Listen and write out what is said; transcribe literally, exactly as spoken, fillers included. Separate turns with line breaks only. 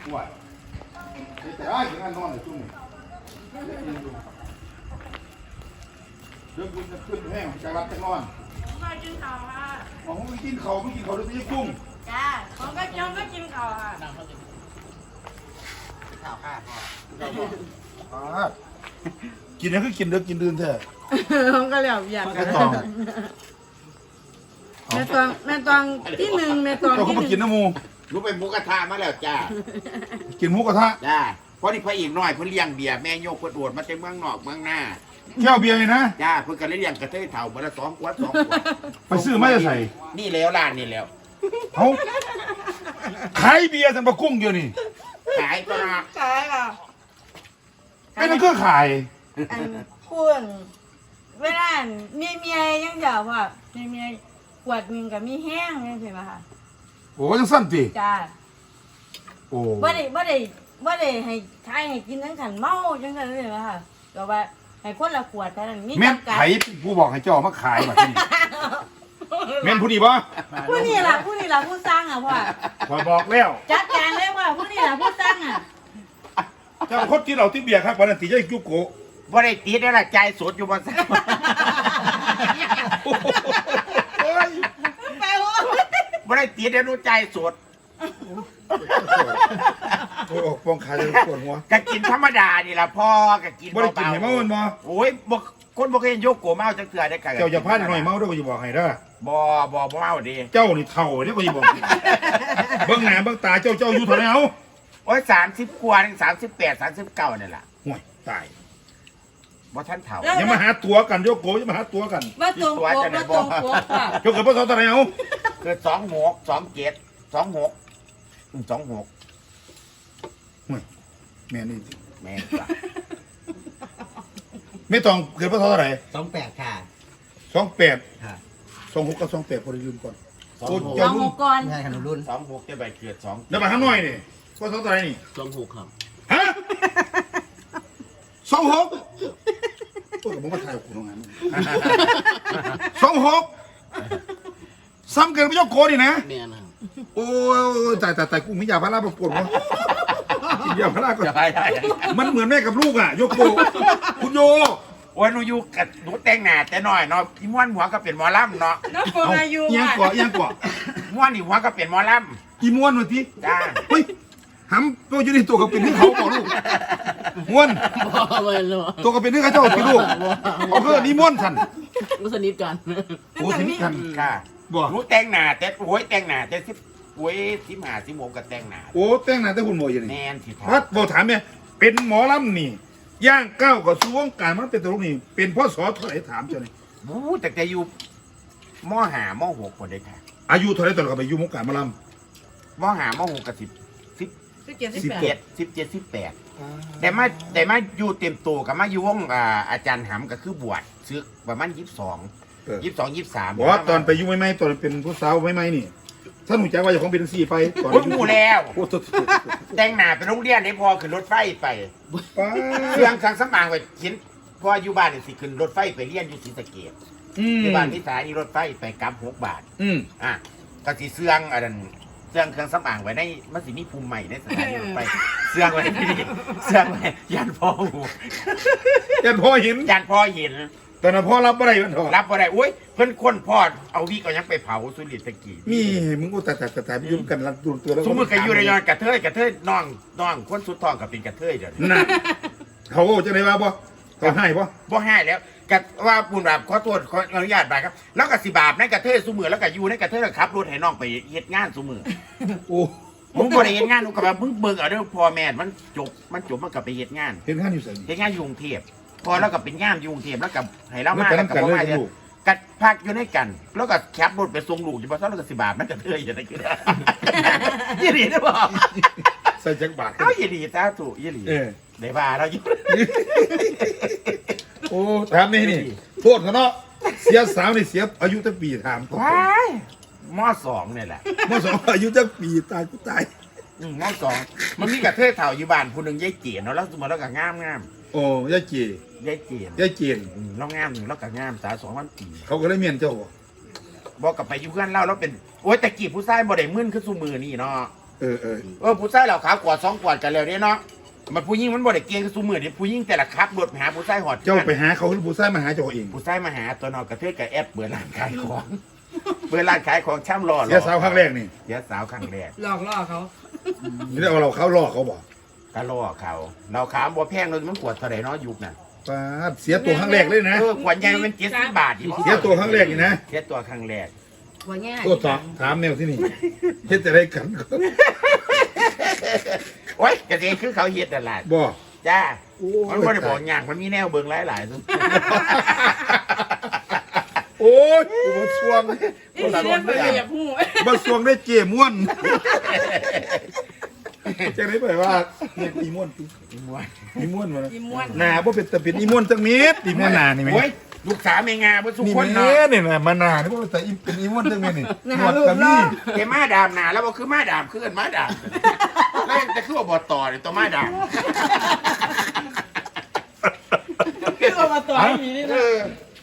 ว่าแต่อ้ายถึงงานนอนเลยจุ่มเรื่องคุณจะขึ้นแห้งใจรักจะนอน
มากินข้าวค่ะ
อ๋อไม่กินเขาไม่กินเขาเลยไม่จุ่ม
จ้าผมก็ยังไม่กินข้าวค่ะ
ข้าวข้าวพ่อ
กินนี่คือกินเด้อกินดื่นแท้
ผมก็เหลียวอยาก
แค่ตอง
แม่ตองแม่ตองที่หนึ่งแม่ตอง
เราก็
ที่ห
มา
นึ่ง
กินน้ำมู
รู้ไปหมูกระทะมาแล้วจ้า
กินหมูกระทะ
จ้าเพราะนี่พระเอกน้อยเพิ่นเลี้ยงเบียร์แม่โยกเพิ่นโดดมาจากเมืองนอกเมืองหน้า
แก้วเบียร์เลยนะ
จ้าเพิ่นก็เลยเลี้ยงกระเทยเฒ่าเบอร์ละสองขวดสองขวด
ไปซื้อมาจะใส่
นี่แล้วร้านนี่แล้ว
เขาขายเบียร์สันปะกุ้งเดียวนี่
ขายตัวนะ
ใช่ค่ะ
ไม่นั่นก็ขาย
อันคุณเวลามีเมียยังเดียวพ่อมีเมียขวดหนึ่งกับมีแห้งนี่ใช่ไหมคะ
โอ้ยังสั้นตี
จ้า
โอ้
บ่ได้บ่ได้บ่ได้ให้ทายให้กินทั้งขันเมาจังซั่นเลยไหมคะก็ว่าให้คนละขวดเท่านั้นมี
แม่น
จำกัด
ไผผู้บอกให้เจ้ามาขายแบบนี้แม่นผู้ดีปะ
ผู้นี่ล่ะผู้นี่ล่ะผู้สร้างอ่ะพ่อ
คอยบอกแล้ว
จัดการเลยว่าผู้นี่ล่ะผู้สร้างอ่ะ
เจ้าคนที่เราที่เบียร์ครับวันนั้นตีเจ้าจุกโก
บ่ได้ติดได้ละใจายสดอยู่บ่ซัก
โอ้ย
ไปโอ้
บ่ได้ติดได้รู้ใจายสด
โอ้ยปองขาจะปวดหัว
ก็กินธรรมดานี่ล่ะพ่อก็กิน
บ่ได้กินให้เมามันบ่
โอ้ยบ่คนบ่เคยเห็นโยกโกเมาจักเทื่อได้ค่ะ
เจ้าอย่าพลาดหน่อยเมาเด้อก็จะบอกให้เด้อ
บ่บ่บ่เมาดิ
เจ้านี่เท่าเด้อก็จะบอก เบิ่งหน้าเบิ่งตาเจ้าเจ้าอยู่เท่าไหร่เอา
โอ้ยสามสิบกว่าถึงสามสิบแปด สามสิบเก้านี่ล่ะ
ห่วยตาย
บ่ทันเฒ่า
อย่ามาหาตัวกันโยกโกอย่ามาหาตัวกัน
ว่าตรงปกว่าตรงปกค่ะ
โยกกับพ่อสาวเท่าไหร่เอา
เกิดสองหกสองเจ็ดสองหกสองหก
ห่วยแม่นี่
แม่นจ้ะ
ไม่ต้องเกิดพ่อสาวเท่าไหร่
สองแปดค่ะ
สองแปด
ค่ะ
สองหกกับสองแปดพอได้ลืมก่อน
สอง
โอ้
หก
เจ้า
เอา
รุ่
ห
น
กก่อน
ง่ายขนมรุ่น
สองหกจะไปเกิดสอง
แล้วมาข้างน้อยนี่พ่อสาวเท่าไหร่นี่
สองหกครับ
ฮะสองหกโอ้ยผมมาถ่ายคุณตรงนั้นสองหกซ้ำเกินไม่ยกโกนี่นะ
แม่นะครับ
โอ้ยตายตายตายกูไม่อยากพาราปวดหัวกินยาพาราก่อน
ใช่ใช่
มันเหมือนแม่กับลูกอ่ะโยโกคุณโย
โอ้ยหนูอยู่กับหนูแต่งหน้าแต่น้อยเนาะพี่ม้วนหัวก็เป็นหมอลำเนาะ
น้องปงอายุ
เอียง
ค่ะ
ก่อเอียงก่อ
ม้วนนี่หัวก็เป็นหมอล
อีม้วนมาที
ำจ้า
เฮ้ยหำตัวอยู่ในตัวกับเป็นที่เขาบอกลูกม้วน
บ่ไม่รู้
ตัวกับเป็นที่เขาเจ้าเป็นลูกเอาเพื่อนี่ม้วนสัน
รู้สนิทกัน
โอ้สนิทกัน
ค่ะ
บ่
หนูแต่งหน้าแต่โอ้ยแต่งหน้าแต่สิบโอ้ยสิบห้าสิบหกก็แต่งหน้า
โอ้แต่งหน้าแต่หุ่นโมยอยู่
แม
นี่
นสิ
พัดบอกถามเนี่ยเป็นหมอลำนี่ย่างก้าวกับสู่วงการมันเป็นตลกนี่เป็นพ่อสอเท่าไหร่ถามเจ้านี่
บู๊แต่จะอยู่มหามหกคนเลยค่ะ
อายุเท่าไหร่ตอนเราไปอยู่วงการหมอล
มหามหกกับสิบสิบ
สิบเจ็ดสิบ
สิบ
แป
เจ็
ด
ดสิบเจ็ดสิบแปดแต่มาแต่มาอยู่เต็มตัวกับมาอยู่วงอ่าอาจารย์หำก็คือบวชซึกประมาณยี่สิบสอง
ำเออ
ยี่สิบสองยี่สิบสาม
บอกว่าตอนไปอยู่ไม่ไม่ตอนเป็นผู้สาวไม่ไม่นี่ถ้าหนูใจว่าจะของเป็นสี่ไปตอน
โอ้ยหมู่แล้ว
โอ้โห
แต่งหน้าไปโรงเรียนได้พอขึ้นรถไฟไป
ป้า
เครื่องสังสมางไปชิ้นพออยู่บ้านนี่สิขึ้นรถไฟไปเรียนอยู่ศรีสะเกษ
อืม
ที่บ้านที่สายนี่รถไฟไปกลับหกบาท
อืม
อ่ะก็สิเสื่องอันนั้นเสื่องเครื่องสำอางไว้ในมันสิมีภูมิใหม่ในสถานีรถไฟเสื่องไว้ที่นี่เสื่องไว้ยันพ่อหู
ยันพ่อเห็น
ยันพ่อเห็น
ตอนนั้นพ่อรับอะไรมันเถอะ
รับบ่ได้อุ้ยเพิ่นคนพ่อเอาวิก็ยังไปเผาสุริตะกี้
มีมึงก็แต่แต่แต่แต่ไปยุ่งกันรัดดูตัวแล้ว
สมมือก็อยู่ในยอนกระเทยกระเทยน้องน้องคนสุดท้องก็เป็นกระเทยเดี๋ยวนี้
น่ะเขาจะได้ว่าบ่เขาให้บ่
บ่ให้แล้วก็ว่าบุญบาปขอโทษขออนุญาตบาปครับ แล้วก็สิบาปในกระเทยซุมือแล้วก็อยู่ในกระเทยขับรถให้น้องไปเฮ็ดงานซุมือ
โอ้
มึงบ่ได้เฮ็ดงานมึงก็ว่ามึงเบิ่งเอาเด้อพ่อแม่มันจบมันจบมันก็ไปเฮ็ดงาน
เห็นข้าอยู่ใส่
เฮ็ดงานอยู่กรุงเทพพอแล้วก็เป็นงานอยู่กรุงเทพแล้วก็ให้เรา
แล้ว
มา
กัน
แล้ว
น้ำ
ก็
กัน
บ่
เลย
มา
กับ
เดี๋ยว
ลูก
กัดพักอยู่ในกัน แล้วก็ขับรถไปส่งลูกอยู่บ่ซ้อนแล้วก็สิบาปมันกระเทยจะได้กินยี่หลีได้บ่
ใส่จักบาท
เอายี่หลีตาถูกยี่หลี
เออ
ได้ว่าเราอยู่
โอ้ถามนี่นี่โทษเขาเนาะเสียสาวนี่เสียอายุตั้งปีถามก่อน
ว้ายมสองเนี่ยแหละ
เมื่อสองอายุตั้งปีตายกูตาย
อืมมสองมันมีกระเทยเฒ่าอยู่บ้านผู้หนึงยายเจียนเนาะแล้วสมมุติแล้วก็งามงาม
โอ้ยายเจ
ยายเจียน
ยายเจน
อืมแล้วงามหนึ่งแล้วก็งามสาวสองพันปี
เขาก็เลยเมียนเจ้าบ่
บอกกับไปอยู่เพื่อนเล่าแล้วเป็นโอ้ยแต่กี้ผู้ชายบ่ได้มึนคือซุมือนี่เนาะ
เออเออ
เออผู้ชายเหล่าขาวกวาดสองกวาดกันแล้วเนี่ยเนาะมันผู้หญิงมันบ่ได้เก่งสู้มือเดี๋ยวผู้หญิงแต่ละครับรถไปหาผู้ชายหอด
เจ้าไปหาเขาหรือผู้ชายมาหาเจ้าเอง
ผู้ชายมาหาตัวนอกกระเทยกับแอปเปิดร้านขายของเปิดร้านขายของช่ำรอ
เสียสาวครั้งแรกนี่
เสียสาวครั้งแรก
หลอกล่อเขา
นี่ได้เอาเราเขาล่อเขาบอก
ก็ล่อเขาเราขามบ่แพงเลยมันขวดเท่าไหร่เนาะยุคน่ะ
ป้าดเสียตัวครั้งแรกเลยนะ
เออขวดใหญ่มันเจ็ดสิบบาทอีก
เสียตัวครั้งแรกนี่นะ
เสียตัวครั้งแรก
หัวแง่
ตัวสองถามแนวที่นี่เฮ็ดจะได้กัน
โอ้ยกระเจคือเขาเฮ็ดตลาด
บ่
จ้า
โอ้
มันบ่ได้บอกอย่างมันมีแนวเบิ่งหลายๆซุ
โอ้ยกูบ่สวง
นี่เรียกว่าเหยียบหู
บ่สวงได้เจ้ม่วนจะได้ไปว่าเฮ็ดอีม่วน
อีม่วน
อีม่วนมา
ยิ้มม้วน
หน้าบ่เป็นตะเป็นอีม่วนจังเม็ดอีม่วนหน้านี่แม่
โอ้ยลูกสาวแม่งาบ่สุ
นี่
คน
แม่
เนาะ
นี่น่ะมาหน้านี่บ่แต่อีเป็นอีม่วนจังแม่นี่หนวดก็มี
แกมาดามหนาแล้วบ่คือมาดามคือเอิ้นมาดามแล้วแต่คือว่าบ่ต่อนี่ตัวมาดาม
คือเอามาต่อยอย่างนี้
เอ
นะ
อ